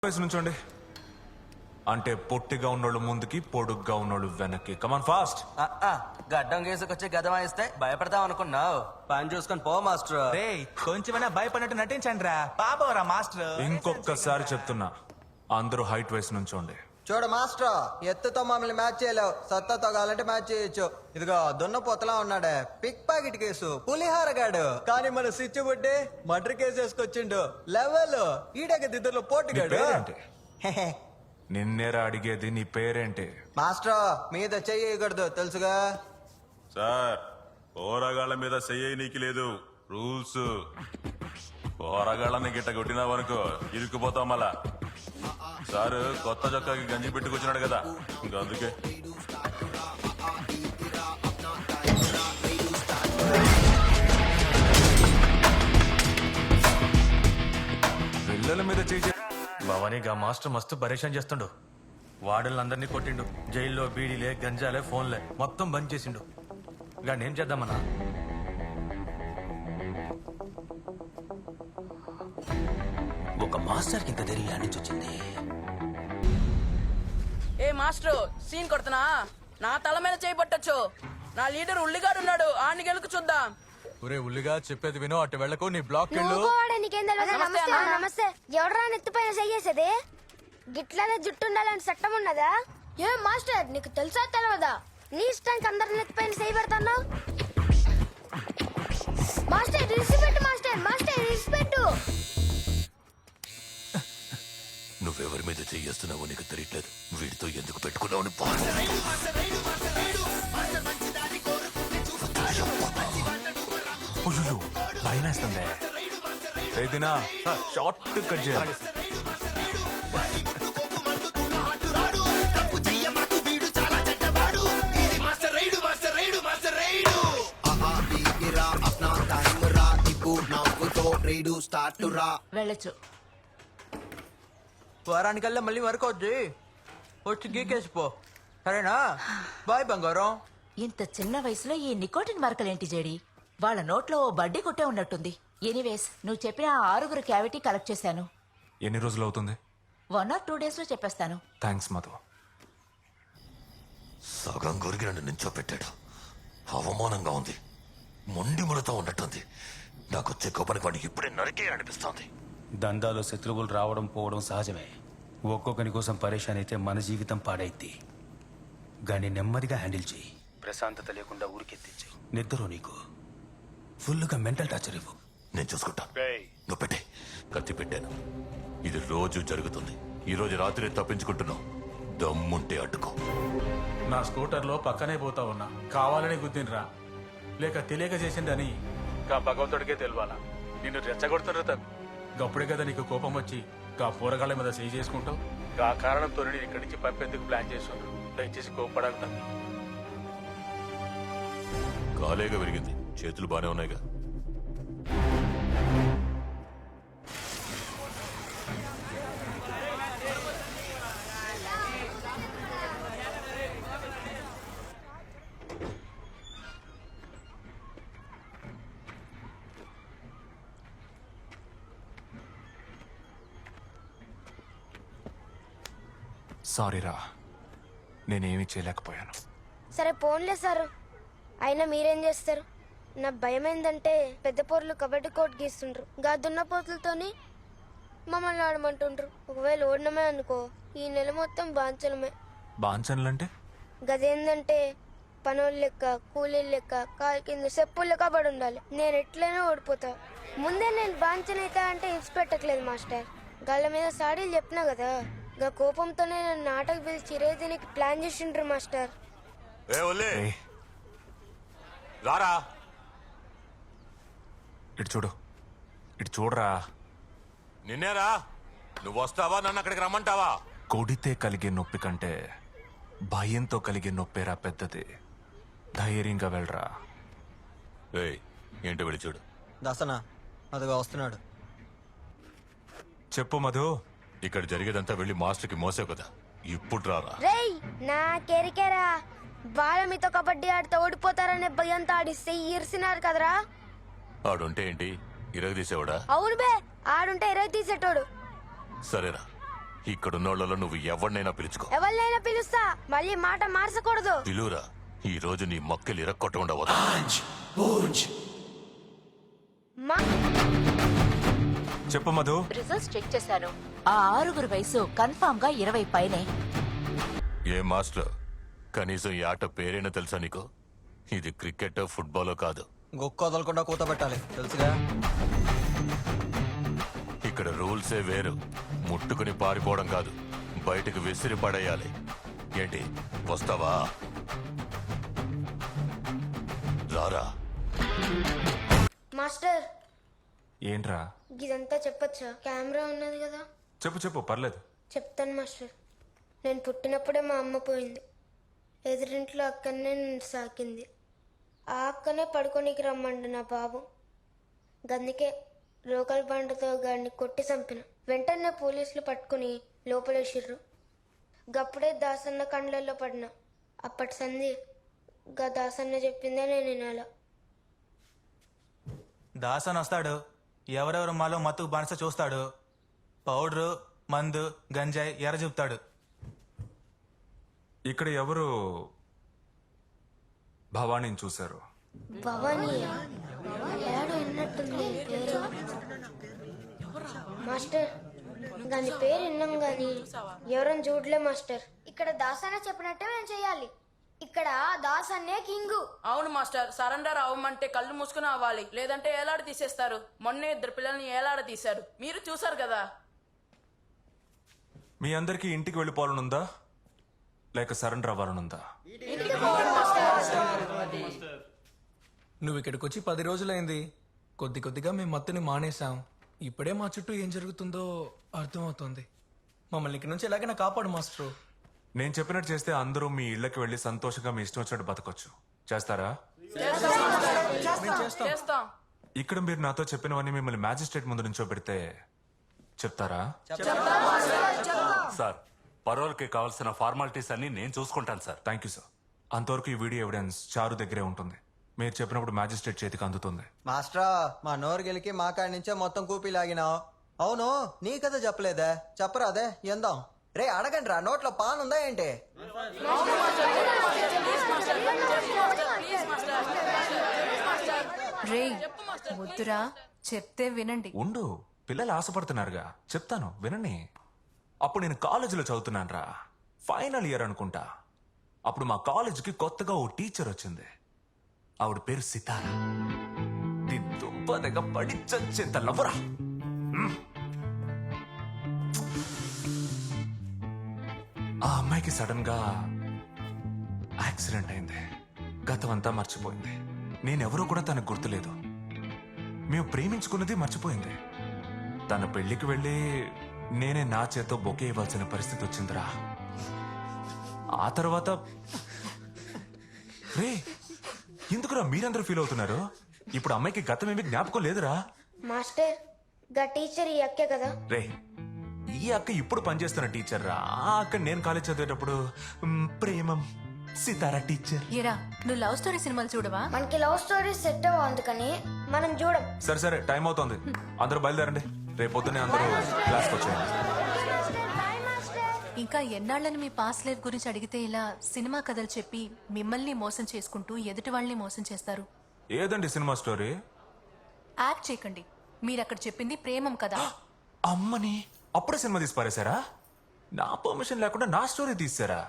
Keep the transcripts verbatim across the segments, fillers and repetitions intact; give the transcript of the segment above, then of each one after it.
వయసు నుంచోండి. అంటే పొట్టిగా ఉన్నోళ్ళు ముందుకి, పొడుగ్గా ఉన్నోళ్ళు వెనక్కి. Come on fast. గడ్డం గీసుకొచ్చి గదమా ఇస్తే భయపడతాం అనుకున్నావు. పని చూసుకొని పో మాస్టర్. రే కొంచెమైనా భయపడినట్టు నటించండి రా పాపవరా మాస్టర్. ఇంకొకసారి చెప్తున్నా, అందరూ హైట్ వయసు నుంచోండి. చూడు మాస్టర్, ఎత్తుతో మమ్మల్ని మ్యాచ్ చేయలేవు, సత్తాతో కావాలంటే మ్యాచ్ చేయొచ్చు. ఇదిగో దున్నపోతలా ఉన్నాడే, పిక్ పాకెట్ కేసు, పులిహార గాడు. కానీ మన స్విచ్ బుడ్డి మర్డర్ కేసు వేసుకొచ్చిండు. లెవెల్ ఈడగ దిద్దరులో పోటీగాడు. పేరేంటి? నిన్నేరా అడిగేది, నీ పేరేంటి? మాస్టర్ మీద చెయ్యకూడదు తెలుసుగా. సార్, పోరగాళ్ళ మీద చెయ్యనీకి లేదు రూల్స్. పోరగాళ్ళని గిట్ట కొట్టినావనుకో ఇరుక్కుపోతాం. మళ్ళా సార్ కొత్త చొక్కాకి గంజి పెట్టుకొచ్చినాడు కదా, ఇంకా అందుకే. పిల్లల మీద చేసే భవానీగా మాస్టర్ మస్తు పరేషాన్ చేస్తుండు. వాడలందరినీ కొట్టిండు. జైల్లో బీడీలే, గంజాలే, ఫోన్లే మొత్తం బంద్ చేసిండు. గాని ఏం చేద్దామన్నా? ఒక మాస్టర్ కి ఇంత ధైర్యం నుంచి వచ్చింది. ఏ మాస్టర్ సీన్ కొడుతున్నా, నా తల మీద చేయబట్టచ్చు. నా లీడర్ ఉల్లిగాడు ఉన్నాడు, ఆని గెలుకు చూద్దాం. ఒరే ఉల్లిగా చెప్పేది వినో, అటు వెళ్ళకు, నీ బ్లాక్ వెళ్ళు. నమస్తే నమస్తే. ఎవడరా నెత్తిపైన చెయ్యేసేది? గిట్లనే జుట్టు ఉండాలని చట్టం ఉన్నదా? ఏ మాస్టర్ నీకు తెలుసా తెలియదా? నీ ఇష్టానికి అందరు నెత్తిపైన చేయి పెడతాను. Master respect, master master respect. నువ్వెవరి మీద చెయ్యేస్తున్నావో నీకు తెలియట్లేదు. వీడితో ఎందుకు పెట్టుకున్నావు? భయం వేస్తుంది. ఏదినా షార్ట్ కట్ చేయాలి. వెళ్ళచ్చు. వారానికల్లా మళ్ళీ వరకొద్ది, వచ్చి గీకేసిపో. సరేనా? బాయ్ బంగారం. ఇంత చిన్న వయసులో ఈ నికోటిన్ మరకలేంటి జేడి? వాళ్ళ నోట్లో ఓ బడ్డీ కొట్టే ఉన్నట్టుంది. ఎనీవేస్, నువ్వు చెప్పిన ఆ ఆరుగురు క్యావిటీ కలెక్ట్ చేశాను. ఎన్ని రోజులు అవుతుంది? వన్ ఆర్ టూ డేస్ లో చెప్పేస్తాను. థ్యాంక్స్ మధు. సగం గురికి నన్ను నించోపెట్టాడు. అవమానంగా ఉంది, మొండి ముడతో ఉన్నట్టుంది. నాకు వచ్చే కోపానికి వాడికి ఇప్పుడే నరికే అనిపిస్తోంది. దందాలో శత్రువులు రావడం పోవడం సహజమే. ఒక్కొక్కని కోసం పరేషాన్ అయితే మన జీవితం పాడైద్ది. గాని నెమ్మదిగా హ్యాండిల్ చేయి. ప్రశాంతత లేకుండా ఊరికెత్తించి నిద్ర నీకు ఫుల్గా మెంటల్ టార్చర్ ఇవ్వు. నేను చూసుకుంటా. నువ్వు పెట్టే. కత్తి పెట్టాను. ఇది రోజు జరుగుతుంది. ఈ రోజు రాత్రి తప్పించుకుంటున్నావు. దమ్ముంటే అడ్డుకో. నా స్కూటర్లో పక్కనే పోతా ఉన్నా, కావాలని గుద్దినరా లేక తెలియక చేసిండని గా భగవంతుడికే తెలియాలా. నిన్ను రెచ్చగొడుతున్నా తప్ప గప్పుడే కదా నీకు కోపం వచ్చి గా పూరగాళ్ళ మీద చేయి చేసుకుంటావు. గా కారణంతో నేను ఇక్కడి నుంచి పంపేందుకు ప్లాన్ చేస్తున్నాను. దయచేసి కోపడాలి తమ్మి. కాలేగా విరిగింది, చేతులు బానే ఉన్నాయిగా. సారీరా, నేనేమీ చేయలేకపోయాను. సరే పోన్లే సారు, అయినా మీరేం చేస్తారు? నా భయం ఏంటంటే పెద్ద పోర్లు కబడ్డీ కోట్ గీస్తుండ్రు, గా దున్న పోతులతోని మమ్మల్ని ఆడమంటుండ్రు. ఒకవేళ ఓడినమే అనుకో, ఈ నెల మొత్తం బాంచలమే. బాంచన్లంటే? గదేందంటే పనులు లెక్క, కూలీలు లెక్క, కాలు కింద చెప్పులు లెక్క పడి ఉండాలి. నేను ఎట్లయినా ఓడిపోతా. ముందే నేను బాంచనైతా అంటే ఇచ్చి పెట్టట్లేదు మాస్టర్. గాళ్ళ మీద సాడీలు చెప్పినా కదా, గా కోపంతోనే నన్ను నాటకు పిలిచి రేదీనికి ప్లాన్ చేసిండ్రు మాస్టర్. రారా, ఇటు చూడు, ఇటు చూడరా. నిన్నేరా. నువ్వు వస్తావా, నన్ను అక్కడికి రమ్మంటావా? కొడితే కలిగే నొప్పి కంటే భయంతో కలిగే నొప్పేరా పెద్దది. ధైర్యంగా వెళ్ళరా. ఏయ్, ఏంటో వెళ్ళి చూడు. దసనా అదిగా వస్తున్నాడు. చెప్పు మధు. ఇక్కడ జరిగేదంతా వెళ్ళి మాస్టర్కి మోసావు కదా, ఇప్పుడు రారా. రేయ్ నా కెరికెరా, వాళ్ళ మీతో కబడ్డీ ఆడితే ఓడిపోతారనే భయంతో ఆడిస్తే ఈర్సినారు కదరా. ఆడుంటే ఏంటి, ఇరగదీసేవాడా? అవును బే, ఆడుంటే ఇరవై తీసేటోడు. సరేరా, ఇక్కడున్నోళ్ళలో నువ్వు ఎవరినైనా పిలుచుకో. ఎవరినైనా పిలుస్తా, మళ్ళీ మాట మార్చకూడదు. పిలువురా. ఈ రోజు నీ మక్కలు ఇరక్కొట్టకుండా వదలు. మా- చెప్పు మధు. రిజల్ట్స్ చెక్ చేశాను. ఆ ఆరుగురు వయసు కన్ఫామ్ గా ఇరవై పైనే. ఏ మాస్టర్, కనీసం ఈ ఆట పేరైనా తెలుసా నీకు? ఇది క్రికెట్ ఫుట్బాల్ కాదు. గొక్క వదలకుండా కూత పెట్టాలి, తెలుసుగా. ఇక్కడ రూల్సే వేరు. ముట్టుకుని పారిపోవడం కాదు, బయటకు విసిరి పడేయాలి. ఏంటి, వస్తావా? రారా. మాస్టర్, ఏంట్రా? ఇదంతా చెప్పొచ్చా? కెమెరా ఉన్నది కదా. చెప్పు చెప్పు, పర్లేదు. చెప్తాను మాస్టర్. నేను పుట్టినప్పుడే మా అమ్మ పోయింది. ఎదురింట్లో అక్కనే నన్ను సాకింది. ఆ అక్కనే పడుకోనికి రమ్మండు నా బాబు. గందుకే లోకల్ బండతో గాడిని కొట్టి చంపిన. వెంటనే పోలీసులు పట్టుకుని లోపలేసిర్రు. గప్పుడే దాసన్న కండ్లల్లో పడిన. అప్పటి సంధి గా దాసన్న చెప్పిందే నేను వినాల. దాసన్ వస్తాడు, ఎవరెవరు మాలో మత్తుకు బానిస చూస్తాడు. పౌడరు, మందు, గంజాయి ఎర్ర చూపుతాడు. ఇక్కడ ఎవరు భవానీని చూశారు? భవానీ ఏడు విన్నట్టుంది పేరు. మాస్టర్, దాని పేరు విన్నాం గాని ఎవరైనా చూడలే మాస్టర్. ఇక్కడ దాసన్న చెప్పినట్టే మేము చేయాలి. ఇక్కడ దాసన్నే కింగు. అవును మాస్టర్, సరెండర్ అవ్వమంటే కళ్ళు మూసుకుని అవ్వాలి, లేదంటే ఏలాడ తీసేస్తారు. మొన్నే ఇద్దరు పిల్లల్ని ఏలాడ తీశారు, మీరు చూసారు కదా. మీ అందరికీ ఇంటికి వెళ్ళిపోవాలనుందా లేక సరెండర్ అవ్వాలనుందా? నువ్వు ఇక్కడికి వచ్చి పది రోజులైంది. కొద్ది కొద్దిగా మేము మత్తుని మానేశాం. ఇప్పుడే మా చుట్టూ ఏం జరుగుతుందో అర్థమవుతుంది. మమ్మల్ని ఇక్కడి నుంచి ఎలాగైనా కాపాడు మాస్టరు. నేను చెప్పినట్టు చేస్తే అందరూ మీ ఇళ్ళకి వెళ్ళి సంతోషంగా మీ ఇష్టం వచ్చినట్టు బతకొచ్చు. చేస్తారా? చేస్తాం. ఇక్కడ మీరు నాతో చెప్పినవన్నీ మిమ్మల్ని మ్యాజిస్ట్రేట్ ముందు నుంచో పెడితే చెప్తారా? సార్, పరోల్కి కావాల్సిన ఫార్మాలిటీస్ అన్ని నేను చూసుకుంటాను సార్. Thank you sir. అంతవరకు ఈ వీడియో ఎవిడెన్స్ చారు దగ్గరే ఉంటుంది. మీరు చెప్పినప్పుడు మ్యాజిస్ట్రేట్ చేతికి అందుతుంది. మాస్టరా, మా నోరు గెలికి మా కాడి నుంచే మొత్తం కూపీ లాగినావు. అవును, నీ కథ చెప్పలేదే, చెప్పరాదే ఎందాం. రే అడగండి రా, నోట్లో పాన్ ఉందా ఏంటి? రే వద్దురా, చెప్తే వినండి. ఉండు, పిల్లలు ఆశపడుతున్నారుగా, చెప్తాను వినండి. అప్పుడు నేను కాలేజీలో చదువుతున్నాను రా, ఫైనల్ ఇయర్ అనుకుంటా. అప్పుడు మా కాలేజీకి కొత్తగా ఓ టీచర్ వచ్చింది. ఆవిడ పేరు సితారా. దీని దుంప దగ్గర పడి చచ్చేంత లవ్వరా. మ్మ్. ఆ అమ్మాయికి సడన్ గా యాక్సిడెంట్ అయింది. గతం అంతా మర్చిపోయింది. నేనెవరో కూడా తనకు గుర్తులేదు. మేము ప్రేమించుకున్నది మర్చిపోయింది. తన పెళ్లికి వెళ్ళి నేనే నా చేతో బొకే ఇవ్వాల్సిన పరిస్థితి వచ్చిందిరా. ఆ తర్వాత రే, ఎందుకురా మీరందరూ ఫీల్ అవుతున్నారు? ఇప్పుడు అమ్మాయికి గతం ఏమి జ్ఞాపకం లేదురా. మాస్టర్, గా టీచర్ ఈ అక్కే కదా. రే, ఈ అక్క ఇప్పుడు పనిచేస్తున్న టీచర్ రా. ఆ అక్క నేను కాలేజ్ చదివేటప్పుడు మ్, ప్రేమం సితారా టీచర్. ఏరా, నువ్వు లవ్ స్టోరీ సినిమాలు చూడవా? మనకి లవ్ స్టోరీ సెట్ అవ్వ, అందుకని మనం చూడం. సరే సరే, టైం అవుతోంది, అందరూ బయలుదేరండి. రేపు పొద్దున్నే అందరూ క్లాస్కి వచ్చేయండి. ఇంకా ఎన్నాళ్ళని మీ పాస్ లైఫ్ గురించి అడిగితే ఇలా సినిమా కథలు చెప్పి మిమ్మల్ని మోసం చేసుకుంటూ ఎదుటి వాళ్ళని మోసం చేస్తారు. ఏదండి సినిమా స్టోరీ? యాక్ట్ చేయకండి. మీరు అక్కడ చెప్పింది ప్రేమం కదా. అమ్మని అప్పుడే సినిమా తీసి పారేశారా? నా పర్మిషన్ లేకుండా నా స్టోరీ తీసారా?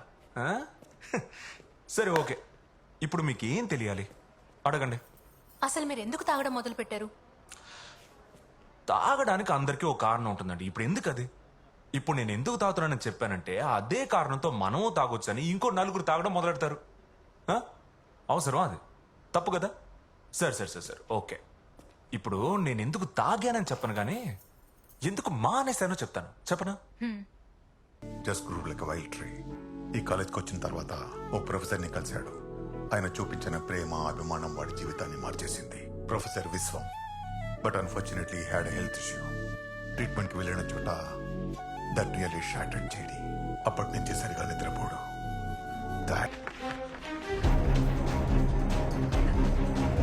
సరే ఓకే, ఇప్పుడు మీకు ఏం తెలియాలి అడగండి. అసలు మీరు ఎందుకు తాగడం మొదలు పెట్టారు? తాగడానికి అందరికీ ఒక కారణం ఉంటుందండి. ఇప్పుడు ఎందుకు అది? ఇప్పుడు నేను ఎందుకు తాగుతున్నానని చెప్పానంటే అదే కారణంతో మనము తాగొచ్చని ఇంకో నలుగురు తాగడం మొదలెడతారు. ఆ? అవసరం అది? తప్పు కదా? సరే సరే సరే సరే ఓకే. ఇప్పుడు నేను ఎందుకు తాగానని చెప్పను కానీ ఎందుకు మానేశానో చెప్తాను. చెప్పనా? Just grew like wild tree. ఈ కాలేజ్కి వచ్చిన తర్వాత ఓ ప్రొఫెసర్ని కలిశాడు. ఆయన చూపించిన ప్రేమ అభిమానం వాడి జీవితాన్ని మార్చేసింది. Professor Vishwam. But unfortunately had health issue. ట్రీట్మెంట్కి వెళ్ళిన చోట దట్ రియల్లీ షాటర్డ్ చేడి. అప్పటి నుంచి సరిగా నిద్రపోడు. దాట్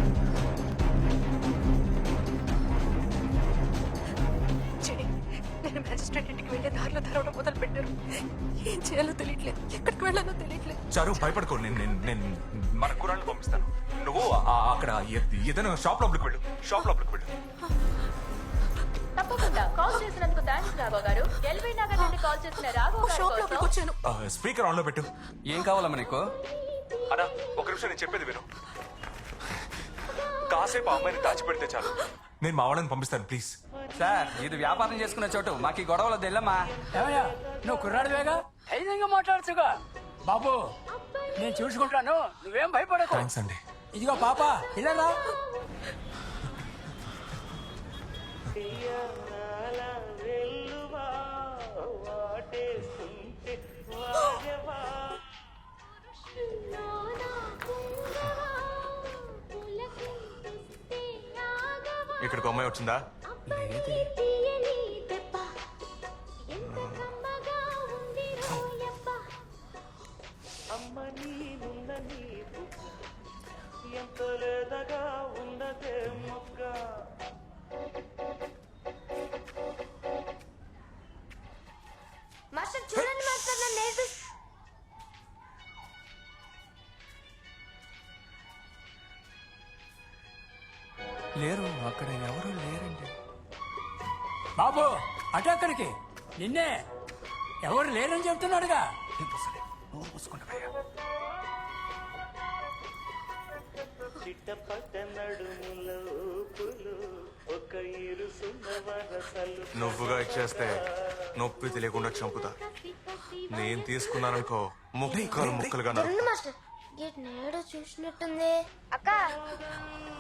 చెడి, నేను ఆయన మ్యాజిస్ట్రేట్ ఇంటికి వెళ్ళే దారిలో తెరవడం మొదలు పెట్టారు. ఏం చేయాలో తెలియట్లేదు, ఎక్కడికి వెళ్ళాలో తెలియట్లేదు. చారు భయపడుకో, నేను నేను నేను మన కురాళ్ళు పంపిస్తాను. నువ్వు ఆ- అక్కడ ఏ- ఏదైనా షాప్ లోపలికి వెళ్ళు, షాప్ లోపలికి వెళ్ళు. తప్పకుండా కాల్ చేసినందుకు థ్యాంక్స్ రాఘవ గారు. ఎల్బీ నగర్ నుండి కాల్ చేసిన రాఘవ గారి షాప్ లోపలికి కోసం వచ్చాను. ఆ, స్పీకర్ ఆన్ లో పెట్టు. ఏం కావాలమ్మా నీకు? అన్నా ఒక నిమిషం నేను చెప్పేది విను. కాసేపు ఆ అమ్మాయిని దాచిపెడితే చాలు, నేను మా వాళ్ళని పంపిస్తాను ప్లీజ్. సార్ ఇది వ్యాపారం చేసుకునే చోటు, మాకు ఈ గొడవలు తెల్లమ్మా. ఏమయ్యా నువ్వు కుర్రాడివేగా, ధైర్యంగా మాట్లాడచ్చుగా. బాబు నేను చూసుకుంటాను, నువ్వేం భయపడకు. థ్యాంక్స్ అండి. ఇదిగో పాప ఇలా ఇక్కడికి అమ్మాయి వచ్చిందా? మాస్టర్ చూడండి మాస్టర్, నన్ను నేర్పి లేరు, అక్కడ ఎవరు లేరండి. బాబు అటు అక్కడికి, నిన్నే ఎవరు లేరని చెప్తున్నాడుగా. నువ్వుగా ఇచ్చేస్తే నొప్పి తెలియకుండా చంపుతా. నేను తీసుకున్నాననుకో ముక్కలు ముక్కలుగా నరుకుతా. మాస్టర్ గేట్ నేడు చూసినట్టుంది. అక్క